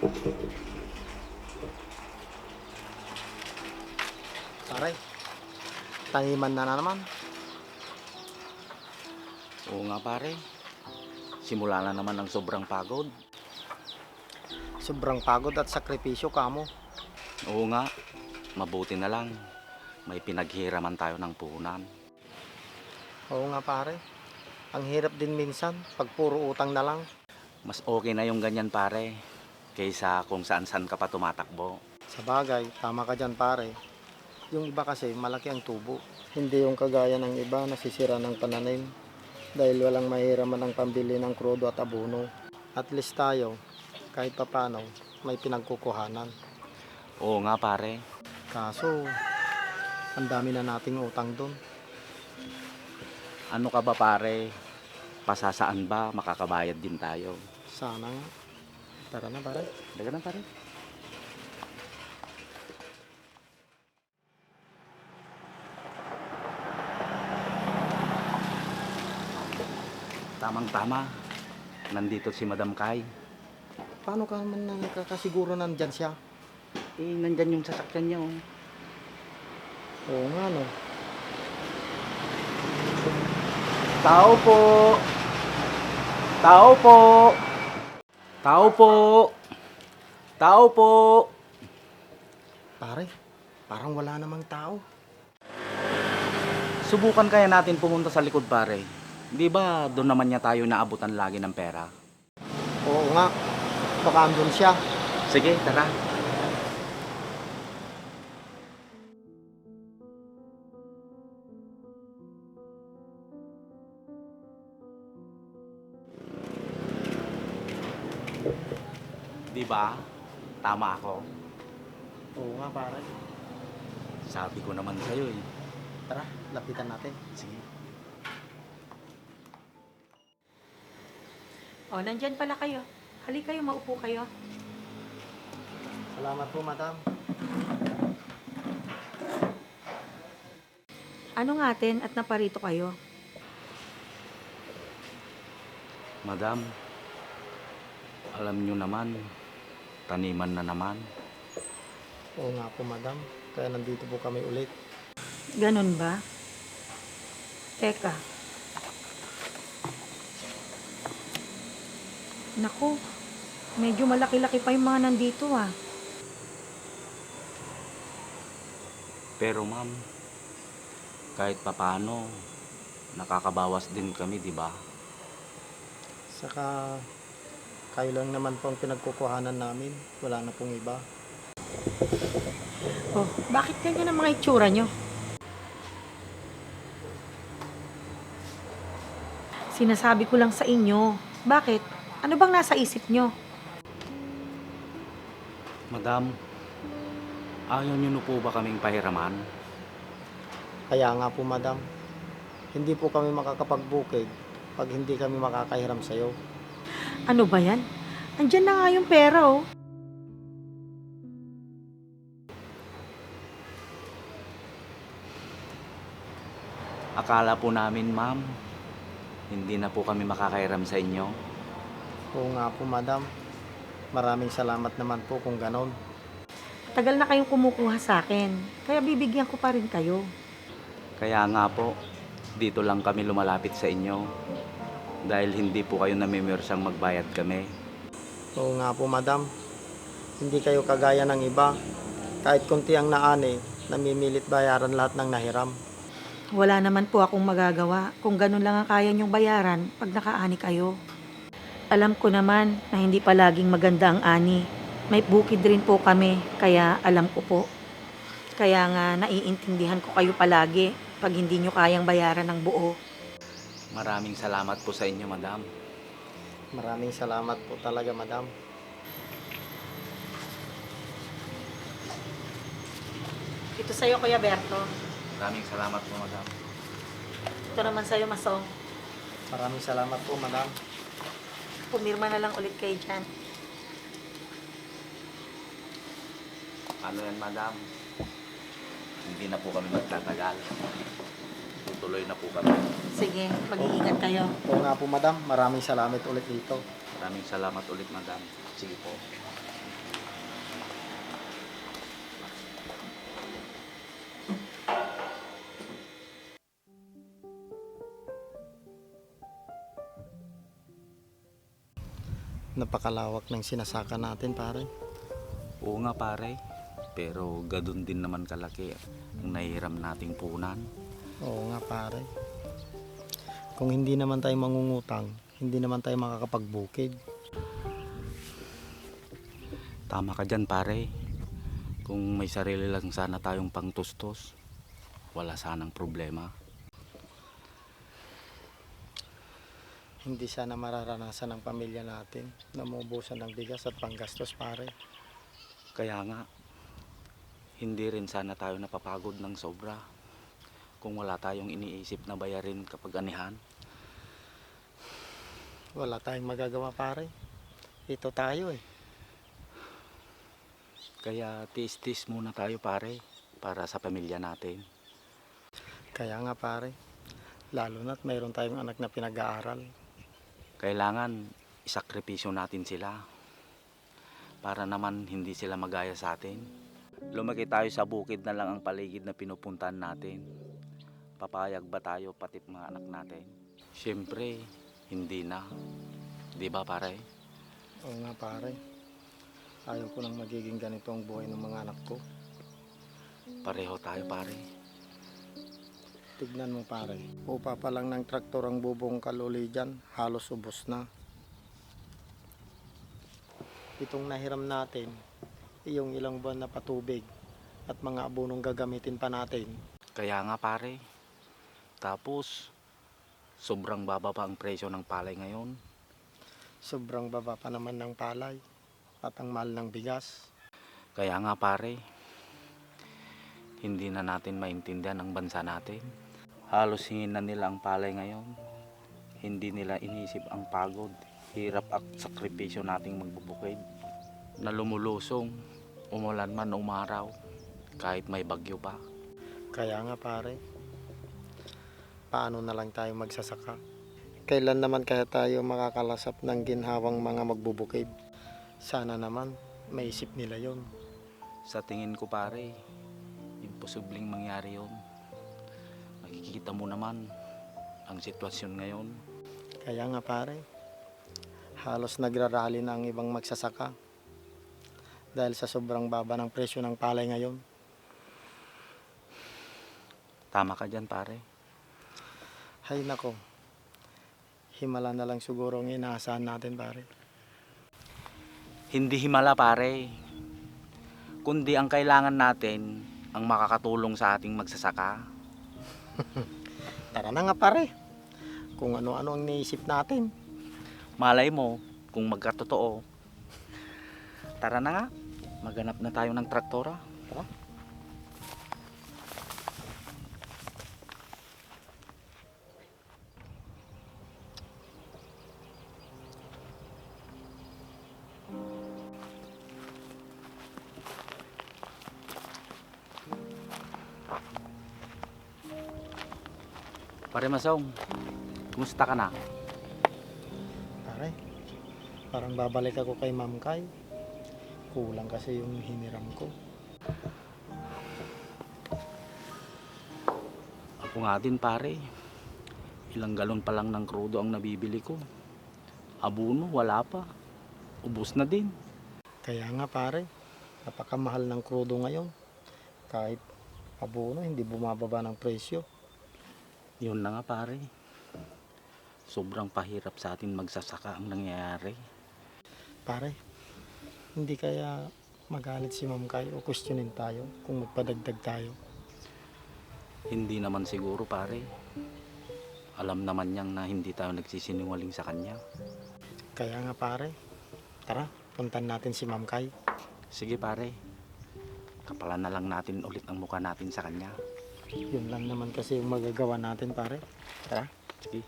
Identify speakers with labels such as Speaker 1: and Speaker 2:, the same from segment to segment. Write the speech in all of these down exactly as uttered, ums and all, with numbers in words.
Speaker 1: Pare, taniman na, na naman.
Speaker 2: Oo nga pare, simula na naman ang sobrang pagod.
Speaker 1: Sobrang pagod at sakripisyo kamo.
Speaker 2: Oo nga, mabuti na lang. May pinaghiraman tayo ng puhunan.
Speaker 1: Oo nga pare, ang hirap din minsan pag puro utang na lang.
Speaker 2: Mas okay na yung ganyan pare, kaysa kung saan-saan ka pa tumatakbo.
Speaker 1: Sa bagay, tama ka dyan pare. Yung iba kasi malaki ang tubo. Hindi yung kagaya ng iba nasisira ng pananim dahil walang mahiraman ang pambili ng krudo at abono. At least tayo, kahit papano, may pinagkukuhanan.
Speaker 2: Oo nga pare,
Speaker 1: Kaso, ang dami na nating utang doon.
Speaker 2: ano ka ba pare? Pasasaan ba makakabayad din tayo?
Speaker 1: Sana nga. Tara na pare.
Speaker 2: Daga na pare. Tamang-tama, nandito si Madam Kai.
Speaker 1: Paano ka man nakakasiguro nandyan siya?
Speaker 2: Eh, nandyan yung sasakyan niya oh.
Speaker 1: Oo nga no.
Speaker 2: Tao po! Tao po! Tao po! Tao po!
Speaker 1: Pare, parang wala namang tao.
Speaker 2: Subukan kaya natin pumunta sa likod pare. Di ba doon naman niya tayo naabutan lagi ng pera?
Speaker 1: Oo nga, baka andun siya.
Speaker 2: Sige, tara. Di ba? Tama ako.
Speaker 1: Oo nga pare.
Speaker 2: Sabi ko naman sa'yo eh.
Speaker 1: Tara, lapitan natin.
Speaker 2: Sige.
Speaker 3: O, nandyan pala kayo. Halika kayo, maupo kayo.
Speaker 1: Salamat po, madam.
Speaker 3: Ano nga atin at naparito kayo?
Speaker 2: Madam, alam nyo naman, taniman na naman.
Speaker 1: Oo nga po, madam. Kaya nandito po kami ulit.
Speaker 3: Ganun ba? Teka. Naku, medyo malaki-laki pa yung mga nandito ah.
Speaker 2: Pero ma'am, kahit papano, nakakabawas din kami, di ba?
Speaker 1: Saka, kayo lang naman po ang pinagkukuhanan namin. Wala na pong iba.
Speaker 3: Oh, bakit ganyan ang mga itsura nyo? Sinasabi ko lang sa inyo. Bakit? Ano bang nasa isip nyo?
Speaker 2: Madam, ayaw nyo na po ba kaming pahiraman?
Speaker 1: Kaya nga po, madam. Hindi po kami makakapagbukid pag hindi kami makakahiram sa'yo.
Speaker 3: Ano ba yan? Andyan na nga yung pera oh.
Speaker 2: Akala po namin, ma'am, hindi na po kami makakairam sa inyo.
Speaker 1: Oo nga po, madam. Maraming salamat naman po kung ganon.
Speaker 3: Tagal na kayong kumukuha sa akin. Kaya bibigyan ko pa rin kayo.
Speaker 2: Kaya nga po, dito lang kami lumalapit sa inyo. Dahil hindi po kayo namimirsang magbayad kami.
Speaker 1: Oo nga po, madam. Hindi kayo kagaya ng iba. Kahit konti ang naani, namimilit bayaran lahat ng nahiram.
Speaker 3: Wala naman po akong magagawa kung ganun lang ang kaya niyong bayaran pag nakaani kayo. Alam ko naman na hindi palaging maganda ang ani. May bukid rin po kami, kaya alam ko po. Kaya nga naiintindihan ko kayo palagi pag hindi niyo kayang bayaran ng buo.
Speaker 2: Maraming salamat po sa inyo, madam.
Speaker 1: Maraming salamat po talaga, madam.
Speaker 3: Ito sa'yo, Kuya Berto.
Speaker 2: Maraming salamat po, madam.
Speaker 3: Ito naman sa'yo, Masong.
Speaker 1: Maraming salamat po, madam.
Speaker 3: Pumirma na lang ulit kayo dyan.
Speaker 2: Ano yan, madam? Hindi na po kami magtatagal. Tutuloy na po kami.
Speaker 3: Sige, mag-iingat kayo.
Speaker 1: Oo nga po, madam. Maraming salamat ulit dito.
Speaker 2: Maraming salamat ulit, madam. Sige po.
Speaker 1: Napakalawak ng sinasaka natin pare.
Speaker 2: Oo nga pare, pero gadun din naman kalaki ang nahiram nating punan.
Speaker 1: Oo nga pare. Kung hindi naman tayo mangungutang, hindi naman tayo makakapagbukid.
Speaker 2: Tama ka dyan pare. Kung may sarili lang sana tayong pangtustos, wala sanang problema.
Speaker 1: Hindi sana mararanasan ng pamilya natin na maubusan ng bigas at panggastos pare.
Speaker 2: Kaya nga, hindi rin sana tayo napapagod ng sobra kung wala tayong iniisip na bayarin kapag anihan.
Speaker 1: Wala tayong magagawa pare. Ito tayo eh.
Speaker 2: Kaya tiis-tiis muna tayo pare para sa pamilya natin.
Speaker 1: Kaya nga pare, lalo na't mayroon tayong anak na pinag-aaral.
Speaker 2: Kailangan isakripisyo natin sila para naman hindi sila magaya sa atin. Lumaki tayo sa bukid na lang ang paligid na pinupuntahan natin. Papayag ba tayo pati mga anak natin? Siyempre, hindi na. Di ba pare?
Speaker 1: Oo nga pare. Ayaw ko nang magiging ganito ang buhay ng mga anak ko.
Speaker 2: Pareho tayo pare.
Speaker 1: Tignan mo pare, upa pa lang ng traktor ang bubong kaluli dyan, halos ubos na. Itong nahiram natin, iyong ilang buwan na patubig at mga abonong gagamitin pa natin.
Speaker 2: Kaya nga pare. Tapos, sobrang baba pa ang presyo ng palay ngayon.
Speaker 1: Sobrang baba pa naman ng palay at ang mahal ng bigas.
Speaker 2: Kaya nga pare, hindi na natin maintindihan ang bansa natin. Halos hingin na nila ang palay ngayon. Hindi nila inisip ang pagod, hirap at sakripisyo nating magbubukid. Na lumulusong, umulan man o umaraw, kahit may bagyo pa.
Speaker 1: Kaya nga pare, paano na lang tayo magsasaka? Kailan naman kaya tayo makakalasap ng ginhawang mga magbubukid? Sana naman maisip nila yon.
Speaker 2: Sa tingin ko pare, imposibleng mangyari yon. Nakikita mo naman ang sitwasyon ngayon.
Speaker 1: Kaya nga pare, halos nagrarally na ang ibang magsasaka dahil sa sobrang baba ng presyo ng palay ngayon.
Speaker 2: Tama ka dyan pare.
Speaker 1: Hay nako, himala na lang siguro ang inaasahan natin pare.
Speaker 2: Hindi himala pare, kundi ang kailangan natin ang makakatulong sa ating magsasaka.
Speaker 1: Tara na nga pare, kung ano-ano ang naisip natin.
Speaker 2: Malay mo kung magkatotoo. Tara na nga, maghanap na tayo ng traktora.
Speaker 1: Tara.
Speaker 2: Pare Masong, kumusta ka na?
Speaker 1: Pare, parang babalik ako kay Ma'am Kay. Kulang kasi yung hiniram ko.
Speaker 2: Ako nga din pare, ilang galon pa lang ng krudo ang nabibili ko. Abono, wala pa. Ubus na din.
Speaker 1: Kaya nga pare, napakamahal ng krudo ngayon. Kahit abono, hindi bumababa ng presyo.
Speaker 2: Yun na nga pare. Sobrang pahirap sa atin magsasaka ang nangyayari.
Speaker 1: Pare, hindi kaya magalit si Ma'am Kay o questionin tayo kung magpadagdag tayo?
Speaker 2: Hindi naman siguro pare. Alam naman niyang na hindi tayo nagsisinungaling sa kanya.
Speaker 1: Kaya nga pare, tara, puntan natin si Ma'am Kay.
Speaker 2: Sige pare, kapalan na lang natin ulit ang mukha natin sa kanya.
Speaker 1: Yun lang naman kasi yung magagawa natin pare. Tara.
Speaker 2: Sige.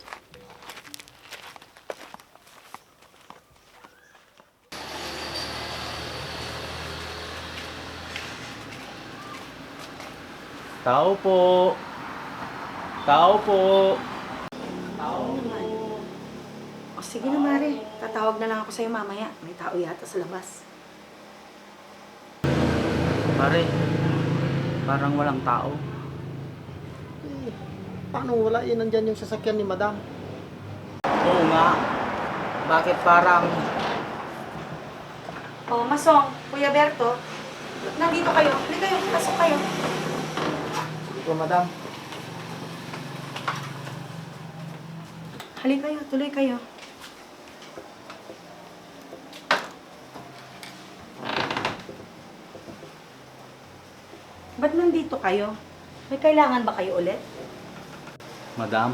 Speaker 2: Tao po. Tao po.
Speaker 3: Oo naman. O sige na, Mare. Tatawag na lang ako sa'yo mamaya. May tao yata sa labas.
Speaker 2: Pare, parang walang tao.
Speaker 1: Eh, paano wala? Eh, nandyan yung sasakyan ni Madam.
Speaker 2: Oo nga. Bakit parang
Speaker 3: Oh, Masong, Kuya Berto, nandito kayo. Hindi kayo, pasok kayo.
Speaker 1: Ito, madam.
Speaker 3: Halika kayo, tuloy kayo. Ba't nandito kayo? May kailangan ba kayo ulit?
Speaker 2: Madam,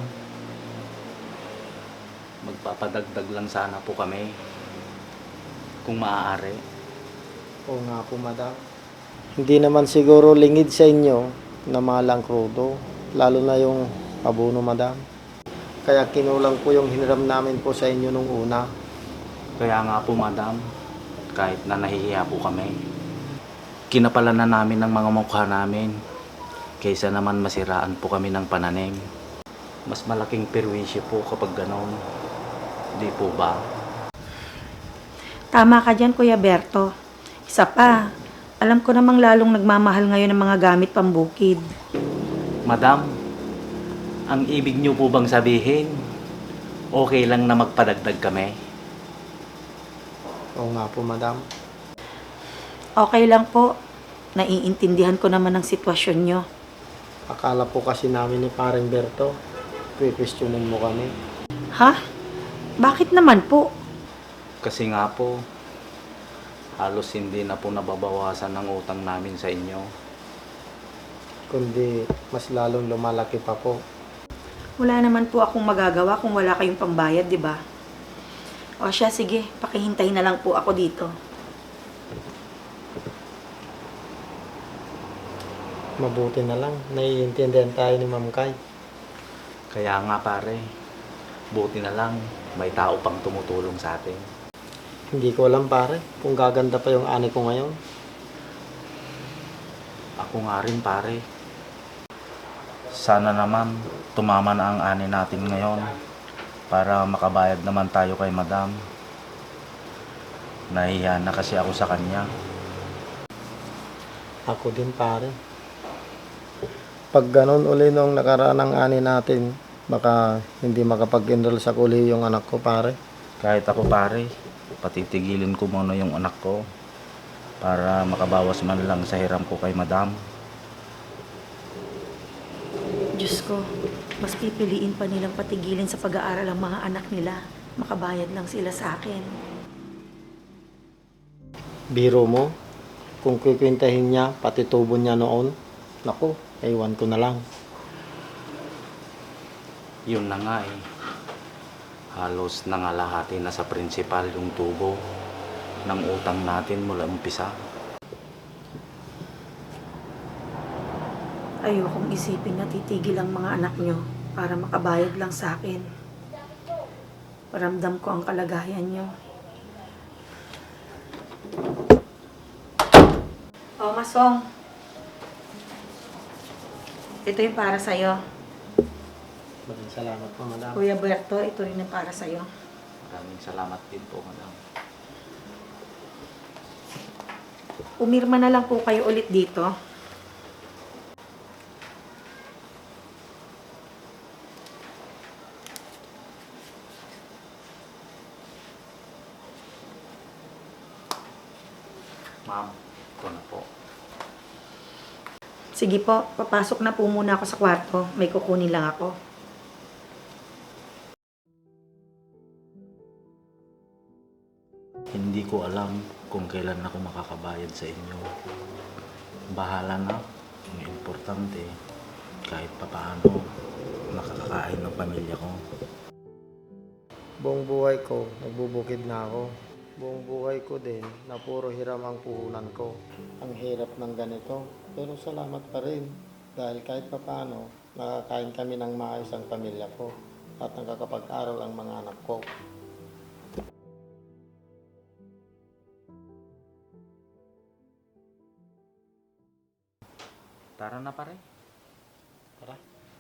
Speaker 2: magpapadagdag lang sana po kami. Kung maaari.
Speaker 1: Oo nga po, madam. Hindi naman siguro lingid sa inyo na malang krudo, lalo na yung abono, madam. Kaya kinulang po yung hiniram namin po sa inyo nung una.
Speaker 2: Kaya nga po, madam, kahit na nahihiya po kami, kinapalan na namin ng mga mukha namin kaysa naman masiraan po kami ng pananim. Mas malaking perwisyo po kapag ganon. Di po ba?
Speaker 3: Tama ka dyan, Kuya Berto. Isa pa, alam ko namang lalong nagmamahal ngayon ng mga gamit pambukid.
Speaker 2: Madam, ang ibig niyo po bang sabihin, okay lang na magpadagdag kami?
Speaker 1: Oo nga po, madam.
Speaker 3: Okay lang po. Naiintindihan ko naman ang sitwasyon nyo.
Speaker 1: Akala po kasi namin ni Paring Berto, pipistyonin mo kami.
Speaker 3: Ha? Bakit naman po?
Speaker 2: Kasi nga po, halos hindi na po nababawasan ng utang namin sa inyo.
Speaker 1: Kundi mas lalong lumalaki pa po.
Speaker 3: Wala naman po akong magagawa kung wala kayong pambayad, di ba? O siya, sige, pakihintay na lang po ako dito.
Speaker 1: Mabuti na lang, naiintindihan tayo ni Ma'am Kay.
Speaker 2: Kaya nga pare, buti na lang may tao pang tumutulong sa atin.
Speaker 1: Hindi ko alam, pare, kung gaganda pa yung ani ko ngayon.
Speaker 2: Ako nga rin pare. Sana naman tumama na ang ani natin ngayon para makabayad naman tayo kay madam. Nahiya na kasi ako sa kanya.
Speaker 1: Ako din, pare. Pag ganun uli nung nakaraan ng ani natin, baka hindi makapag-enroll sa kolehiyo yung anak ko, pare.
Speaker 2: Kahit ako pare, patitigilin ko muna yung anak ko para makabawas man lang sa hiram ko kay madam.
Speaker 3: Diyos ko, mas pipiliin pa nilang patigilin sa pag-aaral ang mga anak nila. Makabayad lang sila sa akin.
Speaker 1: Biro mo, kung kikwintahin niya, pati tubo niya noon, naku, ewan ko na lang.
Speaker 2: Yun na nga eh. Halos nangalahati na sa principal yung tubo ng utang natin mula umpisa.
Speaker 3: Ayokong isipin na titigil ang mga anak nyo para makabayad lang sa akin. Paramdam ko ang kalagayan nyo. Oh, Masong. Ito yung para sa'yo.
Speaker 1: Maraming salamat po, madam.
Speaker 3: Kuya Berto, ito rin yung para sa'yo.
Speaker 2: Maraming salamat din po, madam.
Speaker 3: Umirma na lang po kayo ulit dito.
Speaker 2: Ma'am, ito na po.
Speaker 3: Sige po, papasok na po muna ako sa kwarto. May kukunin lang ako.
Speaker 2: Hindi ko alam kung kailan ako makakabayad sa inyo. Bahala na. Ang importante, kahit papaano, nakakakain ng pamilya ko.
Speaker 1: Buong buhay ko, nagbubukid na ako. Buong buhay ko din, na puro hiram ang puhunan ko. Ang hirap ng ganito, pero salamat pa rin. Dahil kahit papaano, nakakain kami ng maayos ang pamilya ko. At nakakapag-aral ang mga anak ko.
Speaker 2: Tara na pare.
Speaker 1: Tara.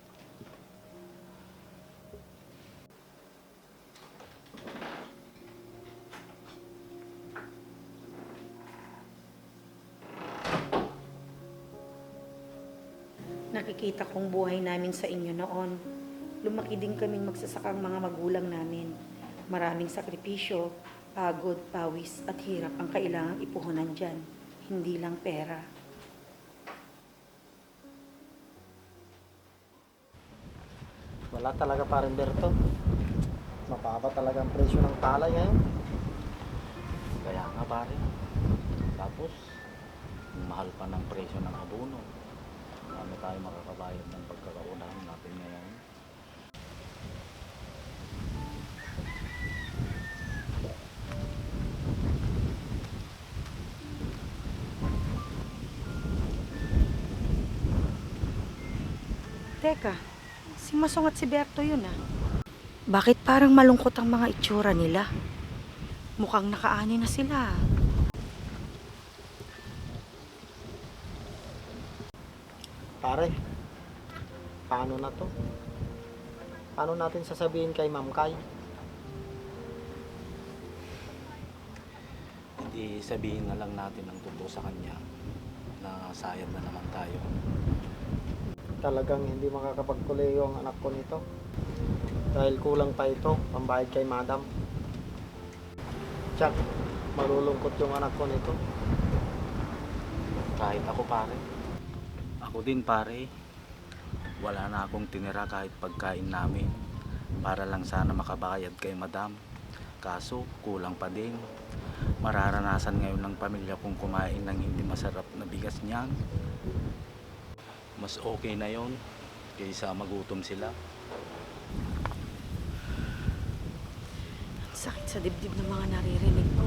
Speaker 3: Nakikita kong buhay namin sa inyo noon. Lumaki din kaming magsasakang mga magulang namin. Maraming sakripisyo, Pagod, pawis at hirap ang kailangang ipuhunan dyan. Hindi lang pera.
Speaker 1: Wala talaga parang Berto. Mababa talaga ang presyo ng palay ngayon.
Speaker 2: Kaya nga pare. Tapos, ang mahal pa ng presyo ng abono. Ano tayo makakabayad ng pagkakaunahan natin ngayon?
Speaker 3: Teka, si Masong at si Berto yun ah. Bakit parang malungkot ang mga itsura nila? Mukhang nakaani na sila.
Speaker 1: Pare, paano na to? Paano natin sasabihin kay Ma'am Kay?
Speaker 2: Hindi sabihin na lang natin ang totoo sa kanya na sayad na naman tayo.
Speaker 1: Talagang hindi makakapagkuleyo ang anak ko nito. Dahil kulang pa ito, pambayad kay Madam. Tsak, malulungkot yung anak ko nito.
Speaker 2: Kahit ako pare. Ako din pare. Wala na akong tinira kahit pagkain namin. Para lang sana makabayad kay madam. Kaso kulang pa din. Mararanasan ngayon ng pamilya kong kumain ng hindi masarap na bigas niyan. Mas okay na yon kaysa magutom sila.
Speaker 3: Sakit sa dibdib ng mga naririnig ko.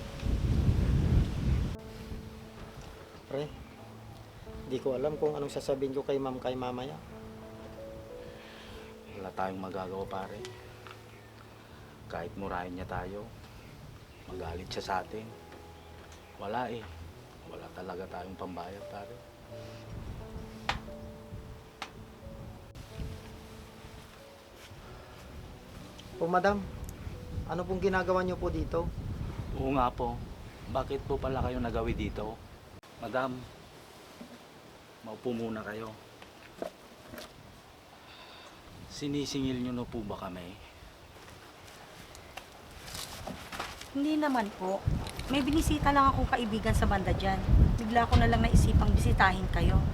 Speaker 1: Pre, di ko alam kung anong sasabihin ko kay Ma'am Kay mamaya.
Speaker 2: Wala tayong magagawa pare. Kahit murahin niya tayo, magalit siya sa atin. Wala eh. Wala talaga tayong pambayad pare.
Speaker 1: O Madam, ano pong ginagawa niyo po dito?
Speaker 2: Oo nga po. Bakit po pala kayo nagawi dito? Madam, maupo muna kayo. Sinisingil niyo na po ba kami?
Speaker 3: Hindi naman po. May binisita lang akong kaibigan sa banda dyan. Bigla ko na lang naisipang bisitahin kayo.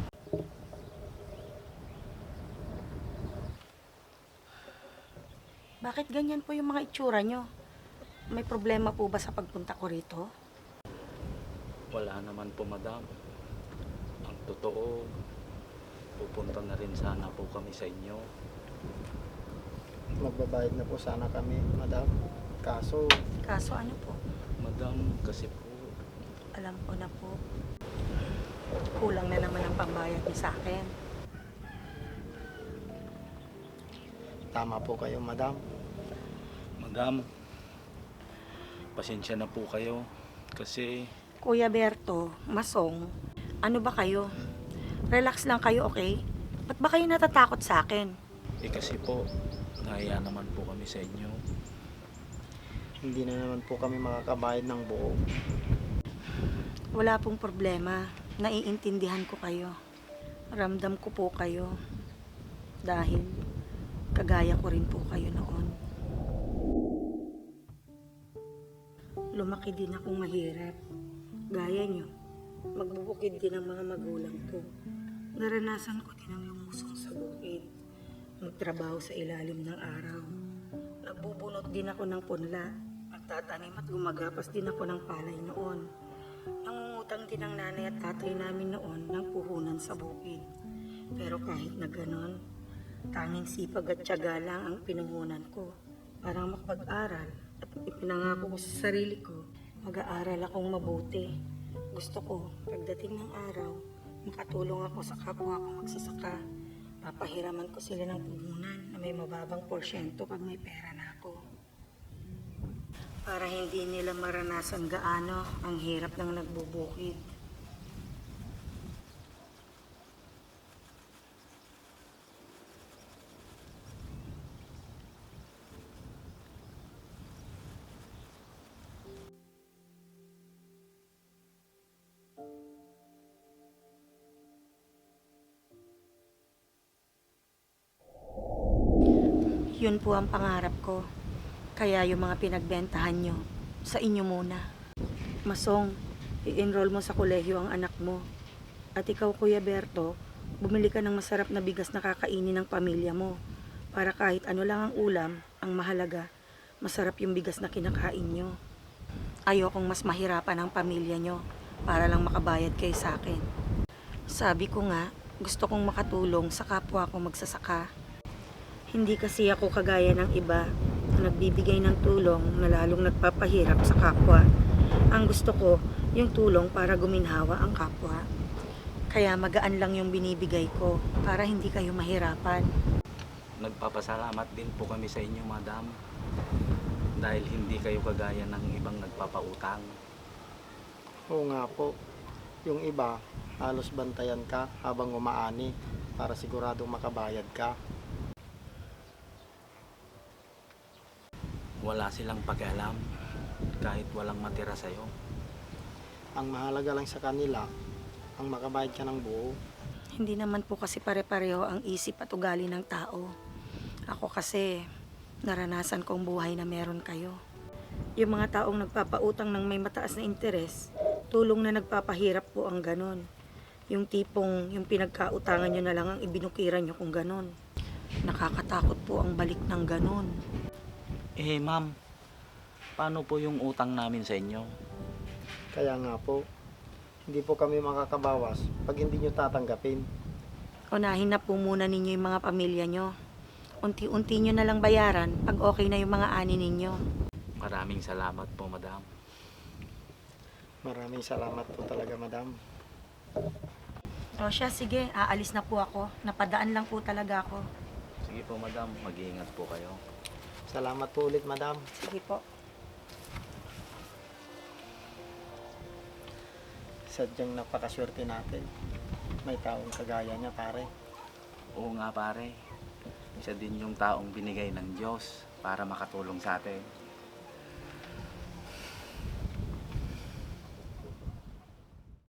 Speaker 3: Bakit ganyan po yung mga itsura nyo? May problema po ba sa pagpunta ko rito?
Speaker 2: Wala naman po madam. Ang totoo, pupunta na rin sana po kami sa inyo.
Speaker 1: Magbabayad na po sana kami, Madam. Kaso,
Speaker 3: Kaso ano po?
Speaker 2: Madam, kasi po,
Speaker 3: Alam ko na po. Kulang na naman ang pambayad niyo sa akin.
Speaker 1: tama po kayo, Madam.
Speaker 2: madam, pasensya na po kayo. Kasi,
Speaker 3: Kuya Berto, Masong, ano ba kayo? Relax lang kayo, okay? Ba't ba kayo natatakot sa akin?
Speaker 2: eh kasi po, nahiya naman po kami sa inyo.
Speaker 1: Hindi na naman po kami makakabayad ng buo.
Speaker 3: Wala pong problema. Naiintindihan ko kayo. Ramdam ko po kayo. Dahil kagaya ko rin po kayo noon. Lumaki din akong mahirap. Gaya nyo, magbubukid din ang mga magulang ko. Naranasan ko din ang lumusong sa bukid. Magtrabaho sa ilalim ng araw. Nagbubunot din ako ng punla. Nagtatanim at gumagapas din ako ng palay noon. Nangungutang din ang nanay at tatay namin noon ng puhunan sa bukid. Pero kahit na ganon, tanging sipag at tiyaga lang ang pinuhunan ko para makapag-aral at ipinangako ko sa sarili ko, mag-aaral akong mabuti. Gusto ko, pagdating ng araw, makatulong ako sa kapwa ko magsasaka. Papahiraman ko sila ng puhunan na may mababang porsyento pag may pera na ako. Para hindi nila maranasan gaano ang hirap ng nagbubukid. Yun po ang pangarap ko. Kaya yung mga pinagbentahan nyo, sa inyo muna. Masong, i-enroll mo sa kolehiyo ang anak mo. At ikaw, Kuya Berto, bumili ka ng masarap na bigas na kakainin ng pamilya mo. Para kahit ano lang ang ulam, ang mahalaga, masarap yung bigas na kinakain nyo. Ayokong mas mahirapan ang pamilya nyo para lang makabayad kayo sa akin. Sabi ko nga, gusto kong makatulong sa kapwa ko magsasaka. Hindi kasi ako kagaya ng iba na nagbibigay ng tulong na lalong nagpapahirap sa kapwa. Ang gusto ko, yung tulong para guminhawa ang kapwa. Kaya magaan lang yung binibigay ko para hindi kayo mahirapan.
Speaker 2: Nagpapasalamat din po kami sa inyo, madam. Dahil hindi kayo kagaya ng ibang nagpapautang.
Speaker 1: Oo nga po. Yung iba, halos bantayan ka habang umaani para siguradong makabayad ka.
Speaker 2: Wala silang pakialam kahit walang matira sa'yo.
Speaker 1: Ang mahalaga lang sa kanila, ang makabayad ka ng buo.
Speaker 3: Hindi naman po kasi pare-pareho ang isip at ugali ng tao. Ako kasi, naranasan kong buhay na meron kayo. Yung mga taong nagpapautang ng may mataas na interes, tulong na nagpapahirap po ang ganon. Yung tipong yung pinagkautangan nyo na lang ang ibinukiran nyo kung ganon. Nakakatakot po ang balik ng ganon.
Speaker 2: Eh, ma'am, paano po yung utang namin sa inyo?
Speaker 1: Kaya nga po, hindi po kami makakabawas pag hindi nyo tatanggapin.
Speaker 3: Unahin na po muna ninyo yung mga pamilya nyo. Unti-unti nyo na lang bayaran pag okay na yung mga ani ninyo.
Speaker 2: Maraming salamat po, madam.
Speaker 1: Maraming salamat po talaga, madam.
Speaker 3: O siya, sige, aalis na po ako. Napadaan lang po talaga ako.
Speaker 2: Sige po, madam. Mag-iingat po kayo.
Speaker 1: Salamat po ulit, madam.
Speaker 3: Sige po.
Speaker 1: Sadyang napakaswerte natin. May taong kagaya niya, pare.
Speaker 2: Oo nga, pare. Isa din yung taong binigay ng Diyos para makatulong sa atin.